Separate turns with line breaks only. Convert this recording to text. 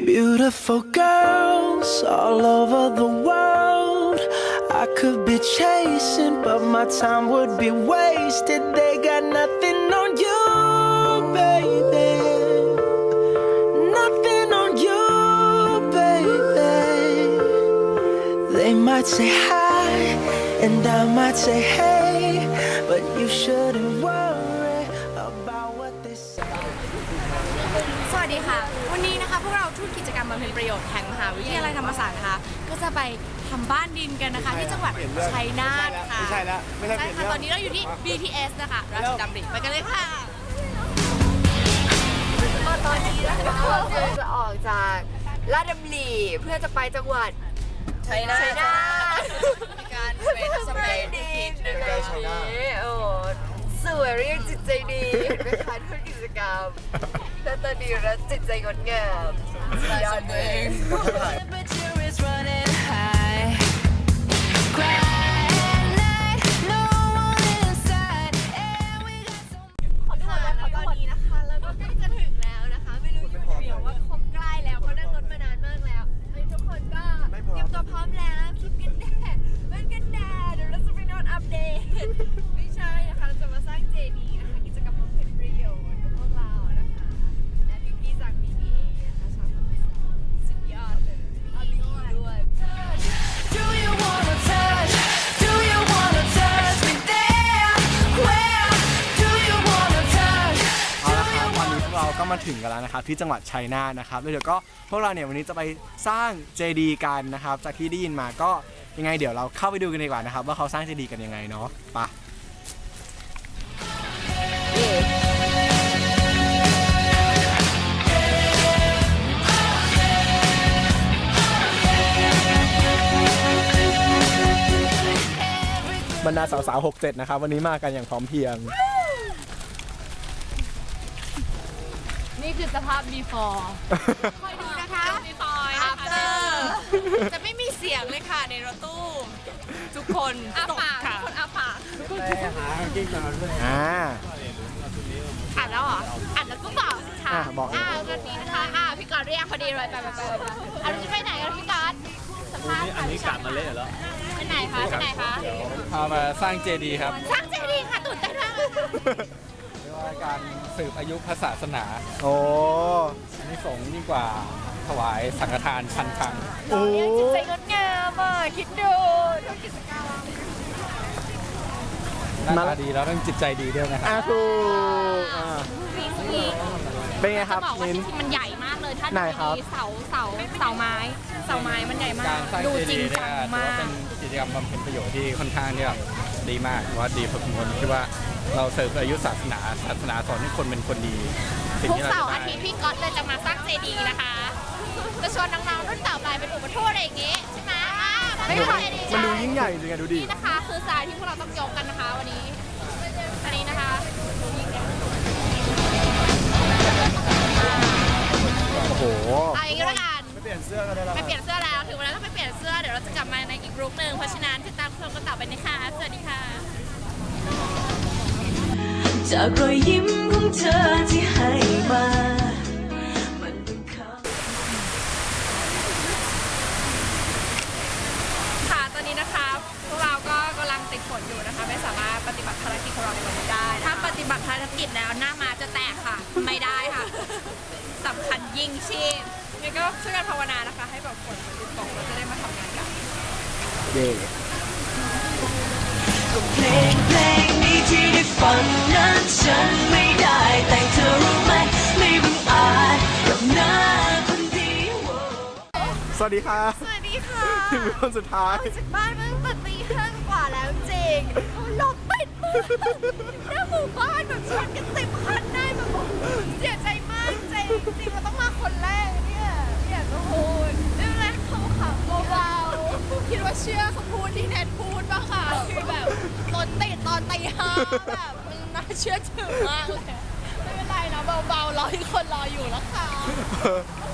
Beautiful girls all over the world. I could be chasing, but my time would be wasted. They got nothing on you, baby. Nothing on you, baby. They might say hi, and I might say hey, but you shouldn't worry about what they say.
สวัสดีค่ะวันนี้นะคะพวกเราทุนกิจกรรมบำเพ็ญประโยชน์แห่งมหาวิทยาลัยธรรมศาสตร์นะคะก็จะไปทำบ้านดินกันนะคะที่จังหวัดชัยนาทค่ะ
ไม่ใช่แล้วไม่ใช่ค่ะ
ตอนนี้เราอยู่ที่ BTS นะคะราชดำริไปกันเลยค่ะตอนนี้นะคะเราจะออกจากราชดำริเพื่อจะไปจังหวัดชัยนาทมีการเป็นสเปรย์ดินนะคะโอ้สวยเรียกจิตใจดีเห็นไหมคะทุนกิจกรรมแต่ตอนนี้เราจิตใจงดงามยอดเลย ตอนนี้นะคะแล้วก็ใกล้จะถึงแล้วนะคะไม่รู้เดี๋ยวว่าคงใกล้แล้วเพราะนั่งรถมานานมากแล้วทุกคนก็เตรียมตัวพร้อมแล้วคลิปกันแดดมันกันแดดเดี๋ยวเราจะไปนอนอัปเดตไม่ใช่นะคะเราจะมาสร้างเจดีย์นะคะกิจกรรมบำเพ็ญประโยชน์กับพวกเรานะคะและพี่ๆจาก BBA นะคะชาวธรรมศาสตร์สุดยอดเลยเอาดีด้วย
Do you wanna touch? Do you wanna touch me there? Where do you wanna touch?
เอาละครับวันนี้พวกเราก็มาถึงกันแล้วนะครับที่จังหวัดชัยนาทนะครับแล้วเดี๋ยวก็พวกเราเนี่ยวันนี้จะไปสร้างเจดีย์กันนะครับจากที่ได้ยินมาก็ยังไงเดี๋ยวเราเข้าไปดูกันดีกว่านะครับว่าเขาสร้างเจดีย์กันยังไงเนาะไปบรรดาสาวๆ67นะครับวันนี้มากันอย่างพร้อมเพรียง
นี่คือสภาพ before คอยดูนะคะ before after จะไม่มีเสียงเลยค่ะในรถตู้ทุกคนอาปากทุกคนอาปากอ่านแล้วเหรออ่านแล้วก็บอกค่ะ
บอก
วันนี้นะคะพี่กอดเรียกพอดีเลยไปเราจะไปไหนกันพี่กอดสัมภาษณ์อันนี้กลับมาเละเหรอไปไหนคะ
พามาสร้างเจดีย์ครับ
สร้างเจดีย์ค่ะตื่นเต้นมาก
เรียกว่าการสืบอายุพระศาสนา
โอ้
อันนี้สงยิ่งกว่าถวายสังฆทานพันครั้ง
โอ้จิตใจงดงามอ่ะคิดดูทุกกิจกรรม
หน้าตาดีแล้วต้องจิตใจดีด้วยนะครับ
ถูกเป็นไงครับ
มิ้นมันใหญ่มากเลยถ้าดูดีเสาไม้มันใหญ่มากดูจริงจังมาก
เป็นกิจกรรมบำเพ็ญประโยชน์ที่ค่อนข้างที่แบบดีมากว่าดีพอสมควรที่ว่าเราเสริมอายุศาสนาสอนให้คนเป็นคนดี
ทุกเสาร์อาทิตย์พี่ก๊อตเลยจะมาสร้างเจดีย์นะคะจะชวนน้องๆรุ่นต่อไปเป็นอุปทูตอะไรอย่างงี้ใช่ไหม
มันดูยิ่งใหญ่จริงๆดูดิ
นี่นะคะคือทรายที่พวกเราต้องยกกันนะคะวันนี้อันนี้นะคะ
โอ้โห
เอาอย่างนี้แล้วกัน
ไม่เปลี่ยนเสื้อก็ได้แล้ว
ไม่เปลี่ยนเสื้อแล้วถึงเวลาต้องไปเปลี่ยนเสื้อเดี๋ยวเราจะกลับมาในอีกกรุ๊ปหนึ่งเพราะฉะนั้นติดตามชมกันต่อไปนะคะสวัสดีค่ะ
จากรอยยิ้มของเธอที่ให้มา
ค่ะตอนนี้นะคะพวกเราก็กำลังติดฝนอยู่นะคะไม่สามารถปฏิบัติภารกิจของเราในวันนี้ได้ถ้าปฏิบัติภารกิจแล้วหน้ามาจะแตกค่ะไม่ได้ค่ะสำคัญยิ่งชีพงั้นก็ช่วยกันภาวนานะคะให้แบบฝนมันหยุดตกเราจะได้มาทำงานกัน
เย้
เพลงนี้ที่ได้ฟังนั้นฉันไม่ได้แต่งเธอรู้ไหมไม่บังอาจกับหน้าคนดี
สวัสดีค่ะ
สวัสดีค่ะ
ถึงคนสุดท้าย
จากบ้านเมื่อตี 5 กว่าแล้วจริงลมปิดมือหน้าหมู่บ้านแบบชนกัน10 คันได้แบบเสียใจมากจริงเราต้องมาคนแรกเนี่ยอยากจะพูดไม่เป็นไรเขาขำเบาๆคิดว่าเชื่อเขาพูดที่แนทพูดป่ะค่ะคือแบบรถติดตอนตี 5แบบมันน่าเชื่อถือมากเลยไม่เป็นไรนะเบาๆรอที่คนรออยู่แล้วค่ะ